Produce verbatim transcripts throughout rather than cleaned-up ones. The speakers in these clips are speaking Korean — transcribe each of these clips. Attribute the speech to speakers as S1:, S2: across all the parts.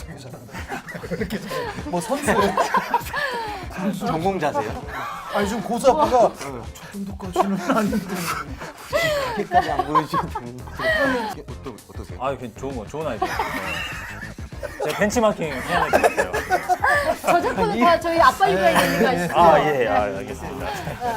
S1: 되게 잘한다. 이렇게 잘해. 뭐 선수.
S2: 전공자세요?
S1: 아니 지금 고수 아빠가 저 정도까지는 아닌데.
S2: 그렇게까지 안 보여주셔도 되는데. 어떠, 어떠세요?
S3: 아, 그 좋은 거, 좋은 아이디어. 네. 제가 벤치마킹 해야 될 것 같아요.
S4: 저작권은 다 저희 아빠 육아에 있는 거 아시죠?
S3: 아, 예, 아, 알겠습니다.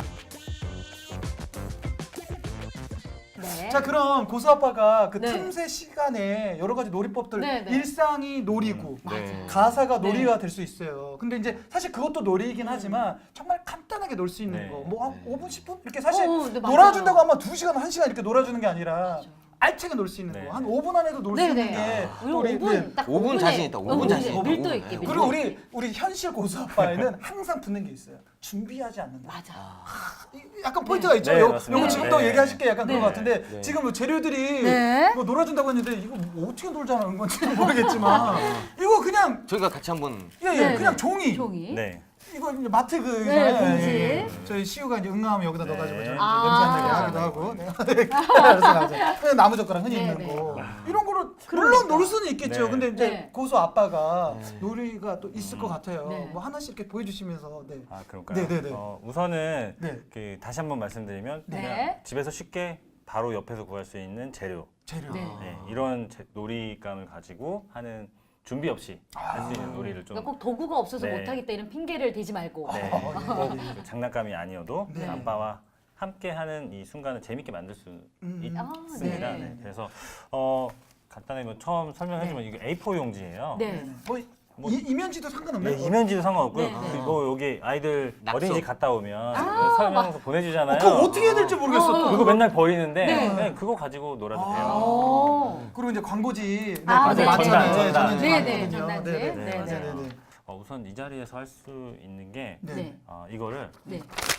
S4: 네.
S1: 자 그럼 고수 아빠가 그
S4: 네.
S1: 틈새 시간에 여러 가지 놀이법들
S4: 네, 네.
S1: 일상이 놀이고
S2: 네.
S1: 가사가
S4: 네.
S1: 놀이가 될 수 있어요. 근데 이제 사실 그것도 놀이이긴 하지만 정말 간단하게 놀 수 있는
S3: 네.
S1: 거. 뭐 한 오 분, 십 분 이렇게 사실
S4: 어, 네, 맞아요.
S1: 놀아준다고 하면 두 시간, 한 시간 이렇게 놀아주는 게 아니라
S4: 맞아.
S1: 알차게 놀 수 있는
S3: 네.
S1: 거. 한 오 분 안에도 놀 수
S4: 네,
S1: 있는
S4: 네.
S1: 게
S4: 우리
S1: 우리
S4: 오 분
S1: 네.
S4: 딱
S2: 오 분
S4: 오 분에
S2: 자신 있다, 오 분
S4: 어,
S2: 자신
S4: 네.
S2: 있다.
S4: 밀도
S2: 오 분.
S4: 있게
S2: 네.
S4: 밀도
S1: 그리고
S4: 있게.
S1: 우리 우리 현실 고수 아빠에는 항상 붙는 게 있어요. 준비하지 않는다.
S4: 맞아.
S1: 이- 약간 포인트가 있죠.
S3: 네,
S1: 요,
S3: 맞습니다.
S1: 요거 지금도
S3: 네.
S1: 얘기하실 게 약간
S4: 네.
S1: 그런 것 같은데
S2: 네.
S1: 지금 뭐 재료들이
S4: 네.
S1: 뭐 놀아준다고 했는데 이거 뭐 어떻게 놀자는 건지 모르겠지만 이거 그냥
S2: 저희가 같이 한번
S1: 예, 예,
S4: 네,
S1: 그냥
S4: 네.
S1: 종이.
S4: 종이.
S3: 네.
S1: 이거 이제 마트 그
S4: 네,
S1: 있잖아요.
S4: 봉지.
S1: 예, 예. 저희 시우가 이제 응가하면 여기다
S3: 네.
S1: 넣어가지고 좀
S4: 아.
S1: 냄새 안 나게 하기도 하고. 네. 알았어, 알았어. 그냥 나무 젓가락 흔히
S4: 네,
S1: 있는
S4: 네.
S1: 거 이런 거를
S4: 그러니까.
S1: 물론 놀 수는 있겠죠.
S3: 네.
S1: 근데 이제
S4: 네.
S1: 고수 아빠가
S2: 네.
S1: 놀이가 또 있을 것 같아요.
S4: 네.
S1: 뭐 하나씩 이렇게 보여주시면서 네.
S3: 아, 그럴까요?
S1: 네, 네, 네.
S3: 어, 우선은
S1: 네.
S3: 그 다시 한번 말씀드리면
S4: 네.
S3: 그냥 집에서 쉽게 바로 옆에서 구할 수 있는 재료.
S1: 재료.
S4: 네.
S3: 네, 이런 제- 놀이감을 가지고 하는 준비 없이 할 수 있는 놀이를 좀
S4: 그러니까 꼭 도구가 없어서
S3: 네.
S4: 못하겠다 이런 핑계를 대지 말고.
S3: 네,
S1: 아,
S3: 꼭 그 장난감이 아니어도
S1: 네.
S3: 아빠와 함께 하는 이 순간을 재밌게 만들 수
S1: 음.
S3: 있습니다.
S4: 아,
S3: 네.
S4: 네.
S3: 그래서 어, 간단하게 뭐 처음 설명했지만 이게 에이 사 용지예요.
S4: 네.
S1: 뭐,
S3: 뭐-
S1: 이, 이면지도 상관없나요?
S3: 네, 이면지도 상관없고요.
S4: 네, 네.
S3: 그리고 여기 아이들
S2: 낙서.
S3: 어린이집 갔다 오면
S4: 아,
S3: 설명서 보내주잖아요.
S1: 어, 그거 어떻게 해야 될지 모르겠어.
S4: 어,
S1: 또.
S3: 그거 맨날 버리는데
S4: 네.
S3: 그냥 그거 가지고 놀아도
S1: 아.
S3: 돼요.
S4: 오.
S1: 그리고 이제 광고지 네,
S4: 아,
S1: 광고
S4: 네,
S1: 많잖아요.
S3: 전단, 전단.
S1: 저는
S4: 네, 네,
S1: 많거든요.
S4: 전단지.
S1: 네, 네,
S3: 네,
S1: 네,
S3: 맞아요.
S1: 네, 네.
S3: 어, 우선 이 자리에서 할 수 있는 게
S1: 네.
S4: 네.
S3: 어, 이거를
S4: 네.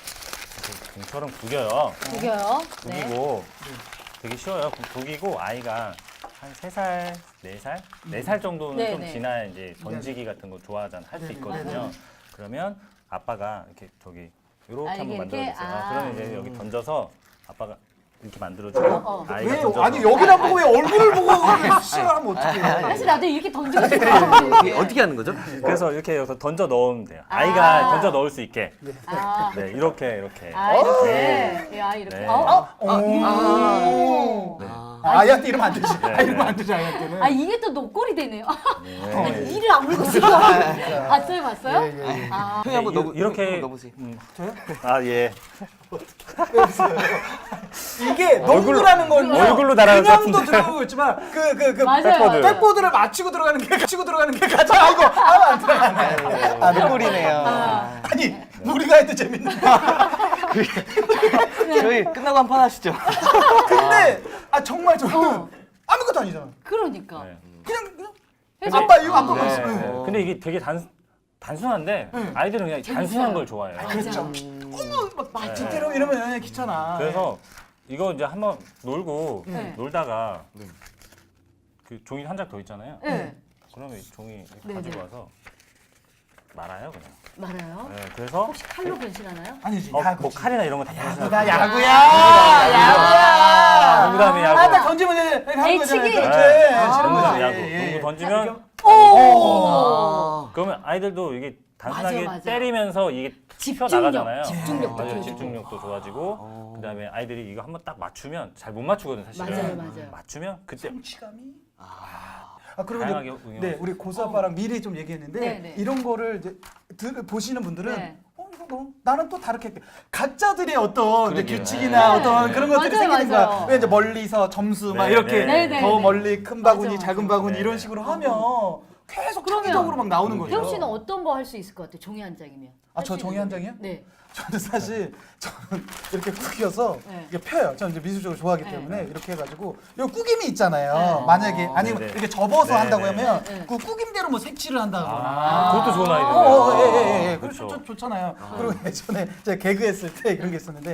S3: 이렇게 공처럼 구겨요.
S4: 구겨요. 네.
S3: 구기고 되게 쉬워요. 구- 구기고 아이가 한 세 살, 네 살, 네 살 정도는
S4: 네,
S3: 좀
S4: 네.
S3: 지나야 이제 던지기 같은 거 좋아하잖아. 할 수
S1: 네, 네,
S3: 있거든요.
S4: 네.
S3: 그러면 아빠가 이렇게 저기 이렇게
S4: 아,
S3: 한번
S4: 이게
S3: 만들어
S4: 이렇게?
S3: 주세요.
S4: 아.
S3: 그러면 이제 여기 던져서 아빠가 이렇게 만들어주고
S4: 어, 어.
S3: 아이가
S1: 왜
S3: 던져서
S1: 아니 여기를 안 보고 왜 얼굴을 보고 시작하면 어떡해?
S4: 사실 나도 이렇게 던지고
S2: 이게
S4: 싶어.
S2: 어떻게 하는 거죠?
S3: 그래서 이렇게 여기서 던져 넣으면 돼요.
S4: 아.
S3: 아이가 던져 넣을 수 있게.
S4: 아,
S3: 네, 이렇게 이렇게.
S4: 아 이렇게.
S3: 네.
S4: 야 이렇게.
S3: 네.
S4: 어?
S1: 오.
S4: 오.
S1: 아, 아이한테 이러면 안 되지.
S3: 네,
S1: 아, 이러면
S3: 네.
S1: 안 되지 아이한테는.
S4: 아 이게 또 녹골이 되네요.
S3: 네.
S4: 이를 안 물고 있어. 봤어요, 봤어요?
S1: 예, 예, 예.
S4: 아,
S2: 형이 한번
S3: 네,
S2: 넣어
S3: 이렇게
S2: 넣어보세요.
S3: 음,
S1: 저요?
S3: 아 예.
S1: 이게 농구라는 건
S3: 얼굴로 날아갈 것
S1: 그냥도
S3: 같은데.
S1: 들어가고 있지만 그 그 그
S4: 맞아요.
S3: 백보드.
S1: 백보드를 맞추고 들어가는 게 맞추고 들어가는 게 가장 아이고 하면 안 들어가네.
S2: 아, 눈물이네요.
S1: 아니 우리가 해도 재밌는데.
S2: 저희 끝나고 한 판 하시죠.
S1: 근데 아 정말 저는
S4: 어.
S1: 아무것도 아니잖아.
S4: 그러니까.
S3: 네.
S1: 그냥 그냥
S4: 해서-
S1: 아빠 이거 안 보고
S4: 네.
S1: 있어.
S3: 네. 근데 이게 되게 단 단순한데 아이들은 그냥 단순한 걸 좋아해요.
S1: 그렇죠.
S4: 음.
S1: 어머 막 진짜로 이러면 귀찮아.
S3: 그래서 이거 이제 한번 놀고
S4: 네.
S3: 놀다가
S2: 네.
S3: 그 종이 한 장 더 있잖아요.
S4: 네.
S3: 그러면 이 종이 이렇게
S4: 네,
S3: 가지고
S4: 네.
S3: 와서 말아요 그냥.
S4: 말아요.
S3: 네, 그래서
S4: 혹시 칼로 변신하나요?
S1: 아니지.
S3: 어,
S1: 야구지.
S3: 뭐 칼이나 이런 거다
S1: 야구다 야구야.
S3: 야구야. 농구다음에 야구.
S1: 아딱 던지면 이제 이렇게 하는 거잖아.
S4: 애치기?
S1: 그렇지.
S3: 네.
S1: 치는
S3: 농구
S1: 거지.
S3: 야구.
S1: 예, 예.
S3: 농구 던지면
S4: 오.
S3: 그러면 아이들도 이게 단순하게
S4: 맞아, 맞아.
S3: 때리면서 이게 튀어
S4: 집중력,
S3: 나가잖아요.
S4: 집중력도
S3: 맞아요.
S4: 키워주고.
S3: 집중력도 좋아지고 그다음에 아이들이 이거 한번 딱 맞추면 잘 못 맞추거든 사실은.
S4: 맞아요, 맞아요.
S3: 맞추면 그때
S1: 성취감이. 아 그리고
S3: 다양하게
S1: 이제
S3: 응용할
S1: 네
S3: 수
S1: 우리 고수 아빠랑 미리 좀 얘기했는데
S4: 네, 네.
S1: 이런 거를 이제 들, 보시는 분들은
S4: 네.
S1: 어 이거 뭐 나는 또 다르게 할게. 각자들의 어떤 이제
S2: 그러게요.
S1: 규칙이나
S4: 네.
S1: 어떤 그런 것들이
S4: 맞아요,
S1: 생기는
S4: 맞아요.
S1: 거야. 왜 이제 멀리서 점수 막
S3: 네,
S1: 이렇게
S3: 네,
S4: 네,
S1: 더
S4: 네.
S1: 멀리 큰 바구니
S4: 맞아,
S1: 작은
S4: 맞아.
S1: 바구니
S3: 네,
S1: 이런
S3: 네.
S1: 식으로 하면 계속
S4: 그러면
S1: 창의적으로 막 나오는 거죠.
S4: 태욱 씨는 어떤 거 할 수 있을 것 같아요? 종이 한 장이면.
S1: 아, 저
S4: 할 수
S1: 종이
S4: 있는
S1: 한
S4: 거.
S1: 장이요?
S4: 네.
S1: 저는 사실 저는 이렇게 구겨서
S4: 네.
S1: 이게 펴요. 저는 이제 미술적으로 좋아하기
S4: 네.
S1: 때문에 이렇게 해가지고 이 꾸김이 있잖아요.
S4: 네.
S1: 만약에 아니면
S3: 네네.
S1: 이렇게 접어서
S3: 네,
S1: 한다고
S3: 네.
S1: 하면
S4: 네, 네.
S1: 그 꾸김대로 뭐 색칠을 한다거나.
S3: 아, 그것도 좋은
S1: 어,
S3: 아이디어예요.
S1: 어, 예, 예, 예.
S3: 그렇죠.
S1: 그렇죠. 좋잖아요. 그리고 예전에 제가 개그 했을 때 그런 게 있었는데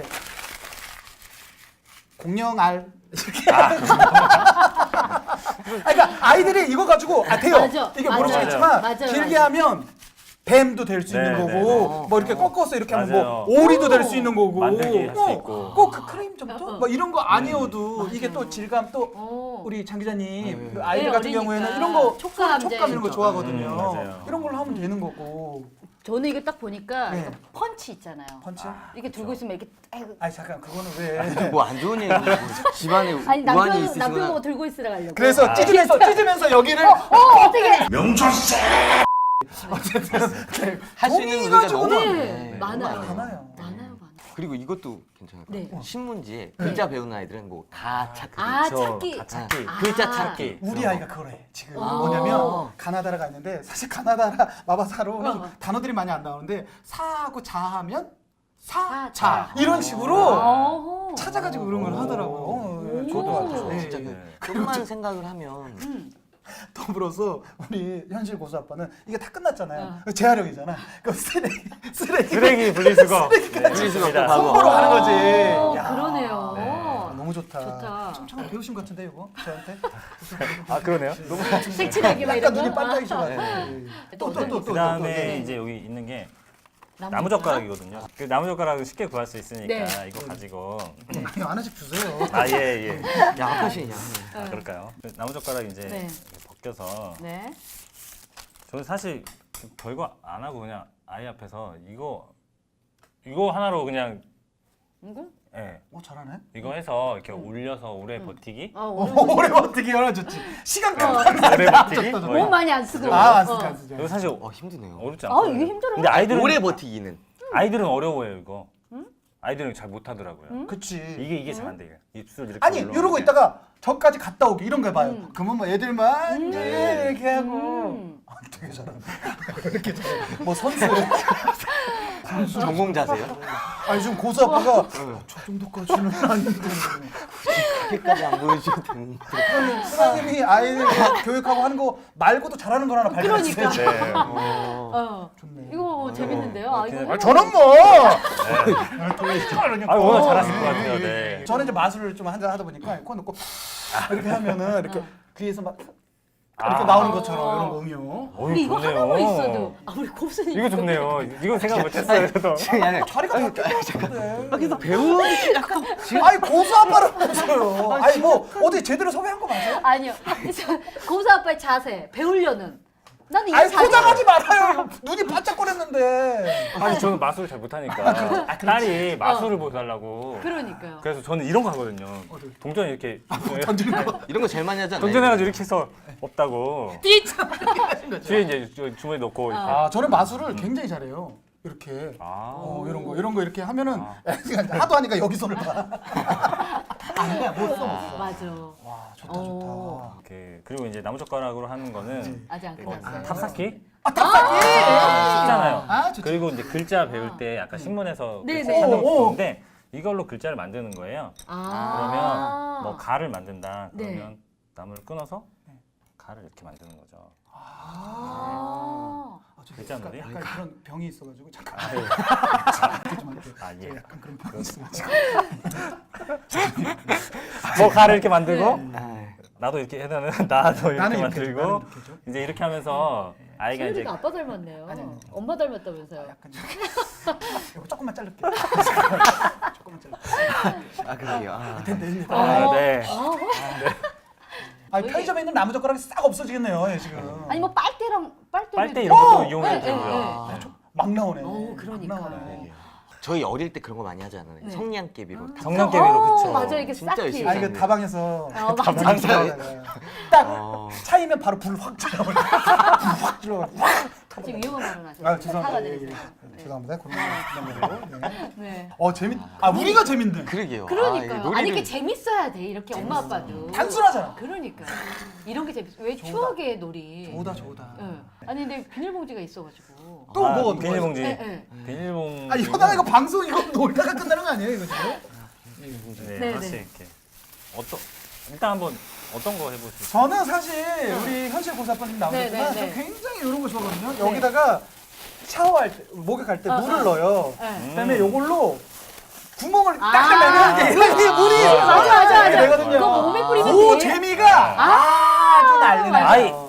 S1: 공룡알 이렇게. 아, 그러니까 아이들이 이거 가지고 아 돼요.
S4: 맞아,
S1: 이게
S4: 맞아요.
S1: 모르시겠지만
S4: 맞아요,
S1: 길게
S4: 맞아요.
S1: 하면 뱀도 될 수 있는
S3: 네,
S1: 거고
S3: 네, 네.
S1: 뭐 이렇게 꺾어서 이렇게 하면
S3: 맞아요.
S1: 뭐 오리도 될 수 있는 거고
S3: 만들기 할 수 있고.
S1: 꼭 그 크림 점토 뭐 이런 거 아니어도
S4: 음.
S1: 이게 또
S4: 맞아요.
S1: 질감 또
S4: 어.
S1: 우리 장 기자님
S2: 네.
S1: 그 아이들
S4: 네,
S1: 같은
S4: 어리니까.
S1: 경우에는 이런 거
S4: 촉감,
S1: 촉감
S4: 이제.
S1: 이런 거 좋아하거든요.
S3: 음, 맞아요.
S1: 이런 걸로 하면 되는 거고.
S4: 저는 이거 딱 보니까
S1: 네.
S4: 이거 펀치 있잖아요.
S1: 펀치?
S4: 이렇게 들고 있으면 이렇게 아이고.
S1: 아니 잠깐 그거는 왜?
S2: 뭐 안 좋은 얘기 집안에
S4: 아니
S2: 우환이
S4: 남편 남편
S2: 있으시거나
S4: 보고 들고 있으라 가려고.
S1: 그래서
S3: 아.
S1: 찢으면서 찢으면서 여기를
S4: 어 어떻게?
S1: 어쨌든
S2: 할 수 있는
S1: 종이가
S2: 의미가 너무
S4: 네,
S2: 많네.
S4: 많아요.
S1: 많아요.
S4: 많아요, 많아요.
S2: 그리고 이것도 괜찮을 것
S4: 네.
S2: 같아요. 신문지에 글자 배우는 아이들은 뭐 가찾기,
S4: 아
S3: 저
S4: 찾기.
S3: 가찾기.
S4: 아.
S2: 글자 찾기.
S1: 우리
S2: 그런
S1: 아이가 그걸 해 지금
S4: 아.
S1: 뭐냐면 가나다라 가 있는데 사실 가나다라 마바사로는
S4: 어.
S1: 단어들이 많이 안 나오는데 사하고 자하면
S4: 사,
S1: 사,
S4: 자.
S1: 자 이런 식으로
S4: 어허.
S1: 찾아가지고 그런 걸 하더라고요. 어, 예,
S4: 오.
S1: 저도
S2: 거.
S1: 알죠. 예,
S2: 진짜
S1: 예.
S2: 그 좀만 생각을 하면
S4: 음.
S1: 더불어서 우리 현실 고수 아빠는 이게 다 끝났잖아요.
S4: 어.
S1: 재활용이잖아. 그 쓰레기 쓰레기
S3: 쓰레기 분리수거. 네,
S2: 분리수거
S3: 좋습니다.
S2: 또 하고.
S1: 손으로 하는 거지.
S4: 어,
S1: 야.
S4: 그러네요.
S1: 아, 너무 좋다.
S4: 좋다.
S1: 좀 잠깐 배우신 것 같은데 이거 저한테.
S3: 아 그러네요. 너무
S4: 색칠하기 막
S1: 약간
S4: 이런 거.
S1: 눈이 반짝이셔가지고.
S2: 네.
S1: 또 또 또 또.
S3: 그다음에 이제 여기 있는 게 나무젓가락이거든요. 그 나무젓가락을 쉽게 구할 수 있으니까
S4: 네.
S3: 이거 가지고
S1: 많이 하나씩 주세요.
S3: 아 예 예.
S2: 야 아까시냐.
S3: 아, 그럴까요? 그 나무젓가락 이제
S4: 네.
S3: 이렇게 벗겨서
S4: 네.
S3: 저는 사실 별거 안 하고 그냥 아이 앞에서 이거 이거 하나로 그냥
S4: 이거?
S3: 예
S1: 오 잘하네.
S3: 이거 해서 이렇게 올려서 오래 버티기
S4: 아
S1: 오,
S4: 오늘
S1: 오래 버티기 얼마나 좋지. 시간 깜빡.
S3: 오래 버티기 뭐
S4: 너무 많이 안 쓰고.
S1: 아, 안
S4: 어.
S1: 쓰지 안 쓰지.
S3: 이거 사실
S2: 어 힘드네요.
S3: 어렵지
S4: 아
S3: 않거든요.
S4: 이게 힘들어요.
S3: 근데 아이들은
S2: 오래 버티기는.
S3: 아이들은 어려워요 이거. 아이들은 잘 못하더라고요.
S1: 그치.
S3: 이게 이게 잘 안 돼요. 입술 이렇게
S1: 아니
S3: 올라오는
S1: 이러고
S3: 게.
S1: 있다가 저까지 갔다 오기 이런 거 해봐요.
S4: 음.
S1: 그러면 뭐 애들만 예, 이렇게 하고
S4: 음.
S1: 아, 되게 잘하네. 이렇게 잘해. 뭐 선수.
S2: 전공자세요?
S1: 아니 지금 고수 아빠가 저 정도까지는 아닌데.
S2: 그렇게까지 안 보여주셔도 되는데.
S1: 선생님이 아이들 교육하고 하는 거 말고도 잘하는 걸 하나 발견했어요.
S4: 그러니까.
S1: 네.
S2: 어.
S4: 어.
S1: 좋네.
S4: 이거 재밌는데요. 아 이거.
S1: 아, 저는 뭐.
S3: 아 워낙 잘하실 것 같아요. 네.
S1: 저는 이제 마술을 좀 한잔 하다 보니까 코 넣고 이렇게 하면은 이렇게 귀에서 막 이렇게
S3: 아.
S1: 나오는 것처럼 이런 거 응용.
S4: 근데 이거
S3: 좋네요.
S4: 하나만 있어도 아 우리 곱순이
S3: 이거 좋네요. 이건 생각 못했어요. 저도.
S2: 지금 약간
S1: 자리가 바뀌었는데.
S2: 그래서 배우기 약간
S1: 아니 고수 아빠를 보세요. 아니 뭐 어디 제대로 섭외한 거 맞아요?
S4: 아니요. 그래서 고수 아빠의 자세 배우려는. 나는 이게
S1: 아니
S4: 자세.
S1: 포장하지 말아요. 눈이 반짝거렸는데.
S3: 아니 저는 마술을 잘 못하니까 딸이 마술을 보여달라고.
S4: 그러니까요.
S3: 그래서 저는 이런 거 하거든요. 동전 이렇게
S1: 던지는 거.
S2: 이런 거 제일 많이 하지 않나요?
S3: 동전해가지고 이렇게 해서 없다고. 뒤에 이제 주- 주머니 넣고 이렇게.
S1: 아 저는 마술을 굉장히 잘해요. 이렇게.
S3: 아.
S1: 어 이런 거 이런 거 이렇게 하면은
S3: 아.
S1: 하도 하니까 여기 손을 봐. 아니야 못 써.
S4: 어, 맞아.
S1: 와 좋다
S4: 어.
S1: 좋다.
S3: 이렇게 그리고 이제 나무젓가락으로 하는 거는
S4: 아직 안
S3: 어,
S4: 끝났어요.
S3: 탑쌓기
S1: 아 탑쌓기.
S3: 쉽잖아요.
S1: 아 좋지.
S3: 그리고 이제 글자 배울 때 아까 신문에서
S4: 네,
S3: 그
S4: 네.
S3: 찾는
S1: 오, 오.
S3: 거 좋은데 이걸로 글자를 만드는 거예요.
S4: 아.
S3: 그러면 뭐 가를 만든다.
S4: 네.
S3: 그러면 나무를 끊어서 가를 이렇게 만드는 거죠.
S4: 아.
S1: 아, 저
S3: 글자
S1: 약간,
S3: 놀이?
S1: 약간 그런 병이 있어가지고 잠깐
S3: 아, 예.
S1: 이렇게 좀 할게요.
S3: 아, 예.
S1: 저 약간 그런 병이 있어가지고.
S3: 뭐 가를 이렇게 만들고
S4: 네.
S2: 아,
S3: 나도 이렇게 해서는 나도 이렇게
S1: 나는 이렇게
S3: 만들고
S1: 해줘, 나는 이렇게 해줘.
S3: 이제 이렇게 하면서 아이가 이제
S4: 소율이가 아빠 닮았네요.
S1: 아니, 아니.
S4: 엄마 닮았다면서요.
S1: 약간 좀 이거 조금만 자를게. 조금만 자를게.
S2: 아 그러게요. 아.
S1: 됐네 됐네.
S3: 아, 네.
S1: 아 편의점에 있는 나무 젓가락이 싹 없어지겠네요 예, 지금.
S4: 아니 뭐 빨대랑 빨대.
S3: 빨대 이런 것도
S1: 어!
S3: 이용해도
S4: 네, 네,
S3: 되고요.
S4: 네.
S2: 아.
S1: 막 나오네.
S4: 어, 그러니까.
S1: 막 나오네.
S2: 저희 어릴 때 그런 거 많이 하지 않아요?
S4: 네.
S2: 성냥개비로 다-
S3: 성냥개비로
S4: 어,
S3: 그쵸.
S4: 맞아 이게
S2: 진짜
S4: 싹히.
S2: 열심히
S1: 아 이거 다방에서
S4: 어, 맞아.
S2: 진짜.
S1: 딱
S2: 어.
S1: 차이면 바로 불 확 질러버려. 불확 질러.
S4: 지금 위험한 발언 하셨어요.
S1: 아 죄송합니다. 예, 예,
S4: 사과드리세요.
S1: 예. 죄송합니다. 그런 거. 네.
S4: 네.
S1: 어 재밌. 아 우리가 재밌네.
S2: 그러게요.
S4: 그러니까요.
S2: 아,
S4: 아니 이게 재밌어야 돼 이렇게 엄마 아빠도.
S1: 음. 단순하잖아.
S4: 그러니까 이런 게 재밌어. 왜 추억의 놀이.
S1: 좋다 좋다.
S4: 예. 아니 근데 비닐봉지가 있어가지고.
S1: 또
S3: 아,
S1: 뭐가
S3: 비닐봉지.
S4: 예, 예.
S3: 비닐봉지.
S1: 아 이러다가 이거 방송 이거 놀다가 끝나는 거 아니에요 이거 지금?
S3: 네,
S4: 네,
S3: 하나씩
S4: 네.
S3: 이렇게. 어떤 일단 한번 어떤 거 해보실까요?
S1: 저는 사실 우리 현실 고사빠님 나오셨지만
S4: 네, 네, 네.
S1: 저 굉장히 이런 거 좋아하거든요. 여기다가 샤워할 때 목욕할 때
S4: 어,
S1: 물을
S4: 어.
S1: 넣어요.
S4: 네.
S1: 그다음에 요걸로 구멍을
S4: 아.
S1: 딱 내면 이게 물이
S4: 맞아 맞아
S1: 이렇게
S4: 맞아.
S1: 되거든요.
S4: 그거 몸에 뿌리면
S1: 그
S4: 돼.
S1: 재미가 아주 난리 나요.
S3: 아이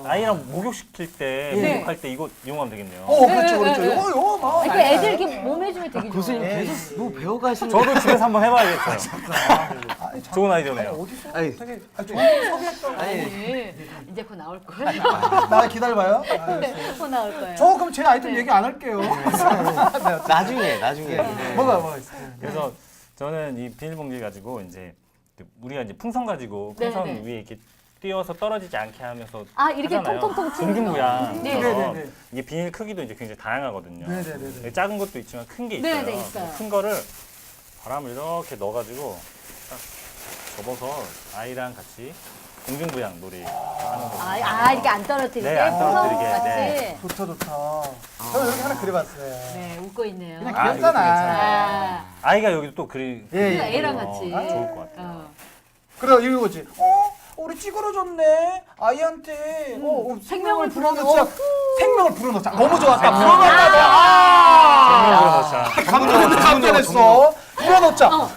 S3: 아이랑 목욕시킬 때
S4: 네.
S3: 목욕할 때 이거 이용하면 되겠네요.
S1: 어,
S4: 네,
S1: 그렇죠,
S4: 네,
S1: 그렇죠.
S4: 네.
S1: 이거, 이거 막.
S4: 아니, 그 애들 이렇게 몸 해주면 되게 좋아요.
S2: 교수님
S1: 예,
S2: 계속 뭐 배워가시는.
S3: 저도 집에서 한번 해봐야겠어요.
S1: 아니, 참,
S3: 좋은 아이디어네요.
S1: 아니, 어디서
S2: 아니.
S1: 되게 아, 좋은 소개했다고.
S2: 아니.
S4: 아니, 이제 곧 나올 거예요.
S1: 나 기다려봐요. 아,
S4: 곧 나올 거예요.
S1: 저 그럼 제 아이템
S4: 네.
S1: 얘기 안 할게요.
S2: 나중에 나중에. 네.
S1: 뭐가 뭐가 있어요?
S3: 그래서 저는 이 비닐봉지 가지고 이제 우리가 이제 풍선 가지고 풍선
S4: 네, 네.
S3: 위에 이렇게 띄워서 떨어지지 않게 하면서
S4: 아, 이렇게
S3: 하잖아요.
S4: 통통통 치는
S3: 동중부양.
S4: 네.
S3: 그래서
S1: 네, 네, 네.
S3: 이게 비닐 크기도 이제 굉장히 다양하거든요.
S1: 네, 네, 네, 네.
S3: 작은 것도 있지만 큰 게 있어요.
S4: 네, 네, 있어요.
S3: 큰 거를 바람을 이렇게 넣어가지고 딱 접어서 아이랑 같이 동중부양 놀이 하는 거.
S4: 아, 아, 이렇게 안 떨어뜨리게?
S3: 네, 안 떨어뜨리게.
S4: 풍선 같이?
S3: 네.
S1: 좋다 좋다. 저는 이렇게 하나 그려봤어요.
S4: 네, 웃고 있네요.
S1: 그냥
S3: 아,
S1: 귀엽잖아.
S4: 아,
S3: 아이가 여기 또 그리
S1: 예, 예.
S4: 그거 애랑
S3: 어,
S4: 같이.
S3: 좋을 것 같아요.
S4: 어.
S1: 그래 이거지. 어? 우리 찌그러졌네. 아이한테 어, 어,
S4: 음, 생명을
S1: 불어넣자.
S4: 불어넣어.
S1: 생명을 불어넣자. 너무 좋았다.
S3: 생명을
S1: 불어넣자. 아!
S3: 그렇죠.
S1: 감동했어. 감동했어. 불어넣자.
S4: 어.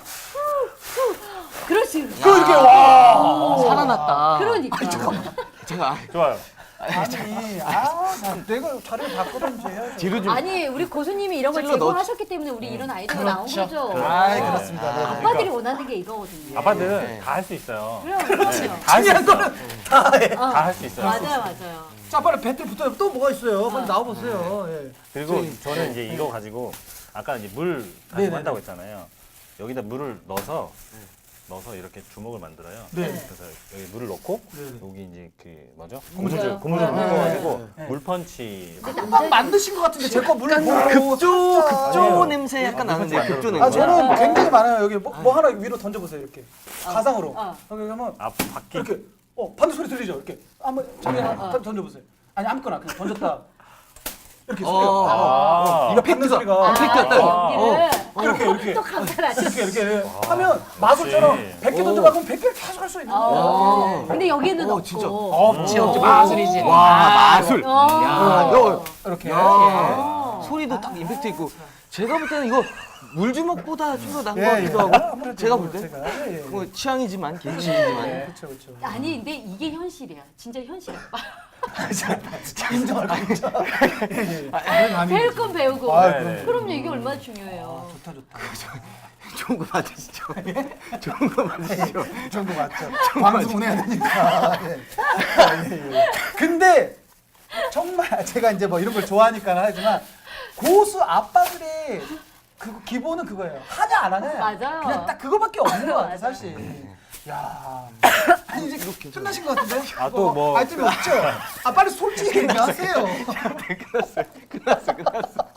S4: 그렇지.
S1: 그 이렇게 와.
S2: 살아났다.
S4: 그러니까.
S2: 제가
S3: 좋아요.
S1: 아니, 아, 나 내가 자리를 바꾸든지 해야지.
S2: 뒤로 좀.
S4: 아니, 우리 고수님이 이런 걸
S2: 찔러 넣었-
S4: 제공하셨기 때문에 우리 이런 아이디어가 나온 거죠.
S1: 아,
S3: 네.
S1: 그렇습니다. 네.
S4: 아빠들이 원하는 게 이거거든요.
S3: 아빠들은
S2: 네.
S3: 다 할 수 있어요.
S4: 그럼, 그럼요.
S3: 다 할 수
S1: 중요한
S3: 있어요.
S1: 거는 다 해.
S4: 어.
S3: 다 할 수 있어요.
S4: 맞아요, 맞아요.
S1: 자, 빨리 배틀 붙어요. 또 뭐가 있어요? 빨리 나와보세요. 예.
S3: 그리고
S1: 저희-
S3: 저는 이제 이거 가지고 아까 이제 물 가지고
S1: 네네네.
S3: 한다고 했잖아요. 여기다 물을 넣어서 넣어서 이렇게 주먹을 만들어요.
S1: 네.
S3: 그래서 여기 물을 넣고
S1: 네네.
S3: 여기 이제 그 뭐죠?
S4: 고무줄.
S3: 고무줄 고무줄
S4: 네.
S3: 묶어가지고
S1: 네.
S3: 물펀치.
S1: 금방 만드신 것 같은데 제 거 물 보고
S2: 급조 급조
S3: 아니에요.
S2: 냄새 약간
S3: 아,
S2: 나는데
S3: 급조
S2: 급조
S3: 만들어서.
S2: 냄새.
S1: 아 저는 굉장히 많아요. 여기 뭐, 뭐 하나 위로 던져보세요. 이렇게 가상으로.
S4: 어.
S1: 여기 하면
S3: 아 바퀴.
S1: 이렇게 어 반대 소리 들리죠? 이렇게 한번 저기
S4: 어,
S1: 하나
S4: 어.
S1: 던져보세요. 아니 아무거나 그냥 던졌다. 이렇게
S2: 어,
S1: 소리가.
S3: 아.
S1: 이거 받는 소리가.
S2: 팩트였다,
S4: 아,
S2: 이거.
S4: 연기를
S1: 이렇게 이렇게
S4: 또 감탄하시네.
S1: 이렇게 이렇게 하면 마술처럼 백 개
S2: 오.
S1: 던져봐 그럼 백 개를 계속 할 수 있는 거예요.
S4: 어. 근데 여기는
S2: 어,
S4: 없고.
S2: 진짜.
S1: 없지 없지
S2: 오.
S1: 마술이지.
S2: 와 마술.
S4: 어.
S2: 야, 너
S1: 이렇게.
S2: 야.
S4: 어.
S2: 소리도 딱 임팩트 있고. 제가 볼 때는 이거 물주먹보다 좀 더 나은 것
S1: 예, 예.
S2: 같기도 하고.
S1: 아무래도
S2: 제가 볼 때.
S1: 제가, 예, 예.
S2: 뭐 취향이지만 개인 취향이지만.
S1: 예, 그렇죠 그렇죠.
S4: 아니, 근데 이게 현실이야. 진짜 현실 아빠.
S1: 인정할 거 인정. 예, 예.
S4: 배울 건 배우고.
S1: 아,
S3: 네, 네.
S4: 그럼요, 이게 얼마나 중요해요.
S1: 좋다 좋다.
S2: 좋은 거 받으시죠. 좋은 거 받으시죠.
S1: 이 정도 맞죠. 방송 운해야 되니까. 예. 아, 예, 예. 근데 정말 제가 이제 뭐 이런 걸 좋아하니까 하지만 고수 아빠들의 그 기본은 그거예요. 하냐 안 하냐.
S4: 맞아요.
S1: 그냥 딱 그거밖에 없는 것 같아
S4: 맞아요.
S1: 사실. 야, 아니 이제 끝나신 것 같은데?
S3: 아, 또 뭐-
S1: 아이템이 없죠? 아 빨리 솔직히 얘기하세요.
S2: 끝났어요. 끝났어. 끝났어.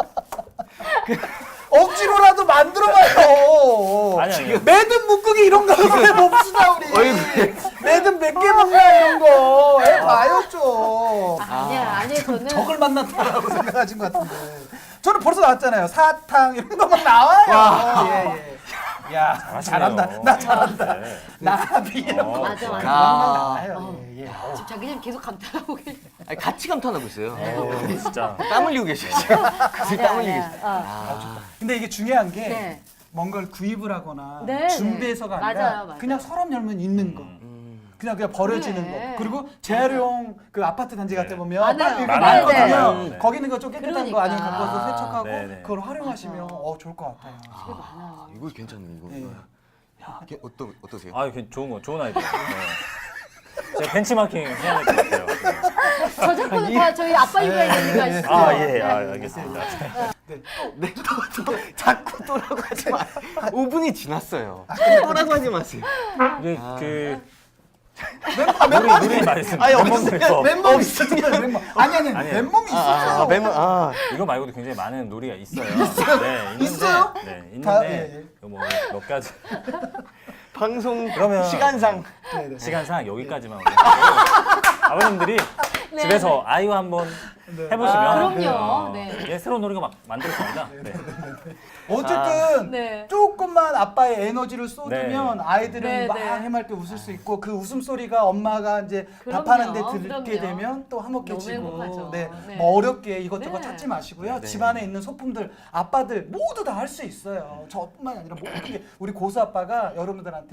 S1: 억지로라도 만들어봐요.
S3: 아니, 아니요.
S1: 매듭 묶기 이런 거 한번 해봅시다 우리.
S2: 얼굴에.
S1: 매듭 몇 개 묶나 이런 거 해봐요 좀.
S4: 아니야, 아니야, 저는.
S1: 적을 만났다라고 생각하신 것 같은데. 저는 벌써 나왔잖아요. 사탕 이런 거 막 나와요. 예, 예. 야 잘한다. 나 잘한다.
S3: 네.
S1: 나비 이런 거.
S3: 어,
S4: 맞아, 맞아.
S2: 아.
S1: 나와요.
S4: 어.
S1: 예, 예.
S4: 지금 자기는 계속 감탄하고 계셔.
S2: 아니, 같이 감탄하고 있어요.
S3: 어, 진짜.
S2: 땀 흘리고 계셔 지금. 같이 땀 흘리고
S4: 아니야,
S2: 계셔.
S4: 아니야.
S2: 아.
S1: 근데 이게 중요한 게
S4: 네.
S1: 뭔가를 구입을 하거나
S4: 네,
S1: 준비해서가
S4: 네.
S1: 아니라
S4: 맞아요, 맞아요.
S1: 그냥 서랍 열면 있는 거.
S2: 음.
S1: 그냥 그냥 버려지는
S4: 그래.
S1: 거. 그리고 재활용 그 아파트 단지 같은 데 보면
S4: 많아요.
S1: 딱 이렇게
S3: 많아요.
S1: 많거든요.
S3: 네, 네.
S1: 거기 있는 거 좀 깨끗한
S4: 그러니까.
S1: 거 아니면 갖고 와서
S4: 아,
S1: 세척하고
S3: 네, 네.
S1: 그걸 활용하시면
S4: 맞아.
S1: 어 좋을 것 같아요.
S4: 되게 많아요.
S2: 이거 괜찮네 이거.
S1: 예.
S2: 이게 어떠 어떠세요?
S3: 아, 이게 좋은 거, 좋은 아이디어. 네. 제가 벤치마킹 해야 될 것 같아요.
S4: 저작권은 다 저희 아빠 육아에 있는 거 아시죠?
S3: 아, 예,
S4: 네.
S3: 아, 알겠습니다.
S2: 네, 또, 또 자꾸 또라고 하지 마. 오 분이 지났어요. 또라고 하지 마세요.
S3: 이게 그
S1: 멤버
S3: 우리
S1: 멤버
S3: 우리 말씀
S2: 아니,
S3: 멤버들에서
S1: 맨몸 있었잖아요. 맨몸. 아니 아니
S3: 아니에요.
S1: 맨몸이 있었어요.
S2: 아, 멤버 아.
S3: 이거 말고도 굉장히 많은 놀이가 있어요. 네, 있는데,
S1: 있어요?
S3: 네,
S1: 다,
S3: 있는데
S1: 예,
S3: 뭐몇 가지
S2: 방송
S3: 그러면-
S2: 시간상
S1: 네, 네.
S3: 시간상 여기까지만 올려요. 아버님들이 집에서 아이와 한번
S1: 네.
S3: 해보시면
S4: 아, 그럼요.
S3: 어,
S4: 네.
S3: 예, 새로운 놀이가 막 만들어집니다. 네.
S1: 어쨌든
S4: 네.
S1: 조금만 아빠의 에너지를 쏟으면
S3: 네.
S1: 아이들은
S4: 네,
S1: 막
S4: 네.
S1: 해맑게 웃을 수 있고 그 웃음소리가 엄마가 이제
S4: 그럼요,
S1: 밥하는데 듣게
S4: 그럼요.
S1: 되면 또
S4: 너무
S1: 화목해지고
S4: 행복하죠.
S1: 네.
S4: 네.
S1: 뭐 어렵게 이것저것
S4: 네.
S1: 찾지 마시고요.
S2: 네.
S1: 집안에 있는 소품들 아빠들 모두 다 할 수 있어요. 저뿐만 아니라 모든 게 우리 고수 아빠가 여러분들한테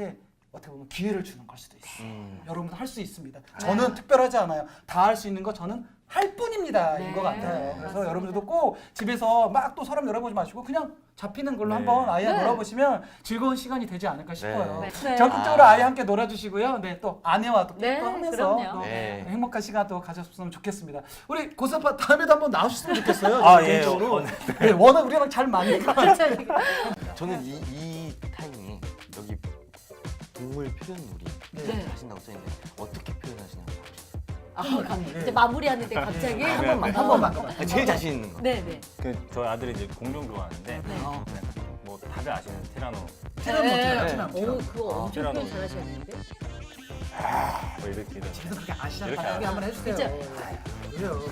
S1: 어떻게 보면 기회를 주는 걸 수도 있어요.
S2: 음.
S1: 여러분도 할 수 있습니다. 저는 특별하지 않아요. 다 할 수 있는 거 저는 할 뿐입니다.
S4: 네,
S1: 인 것 같아요. 그래서
S4: 맞습니다.
S1: 여러분들도 꼭 집에서 막 또 서랍 열어보지 마시고 그냥 잡히는 걸로
S3: 네.
S1: 한번 아이와
S4: 네.
S1: 놀아보시면 즐거운 시간이 되지 않을까 싶어요.
S4: 네. 네.
S1: 적극적으로
S2: 아.
S1: 아이 함께 놀아주시고요. 네, 또 아내와 또
S4: 네,
S1: 또 하면서
S4: 그럼요.
S1: 또
S2: 네.
S1: 행복한 시간 또 가졌으면 좋겠습니다. 우리 고사파 다음에도 한번 나오셨으면 좋겠어요.
S3: 아,
S1: 저는
S3: 예.
S1: 개인적으로.
S3: 어,
S1: 네, 워낙 우리랑 잘 맞니까.
S4: 갑자기.
S2: 저는 이, 이 타이밍에 여기 동물 표현 놀이
S4: 네.
S2: 하신다고 써있는데 어떻게 표현하시나요?
S4: 아, 가- 이제 마무리하는데 갑자기
S2: 한 번만,
S1: 한 번만.
S2: 아, 제일 자신 있는 거.
S4: 네, 네.
S3: 그 저희 아들이 이제 공룡 좋아하는데
S4: 네.
S1: 어.
S3: 네, 뭐 다들 아시는 티라노
S1: 티라노,
S4: 네.
S1: 티라노,
S2: 네.
S1: 티라노.
S4: 오, 그거 엄청
S3: 티라노.
S4: 표현 잘하셨는데.
S3: 뭐 이렇게 이런
S1: 계속 그렇게 아시잖아요.
S3: 이렇게
S1: 여기 한번 해주세요.
S4: 진짜.
S1: 왜요?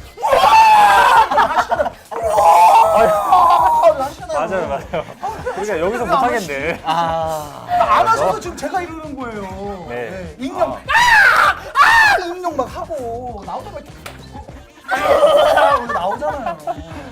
S1: 하시잖아요.
S3: 맞아요 맞아요. 그러니까 여기서 못 하겠네.
S2: 아.
S1: 안 하셔서 지금 제가 이러는 거예요.
S3: 네.
S1: 네. 익명.
S3: 아.
S1: 아! 아! 익명 막 하고 나오자마자 이렇게 아! 나오잖아요.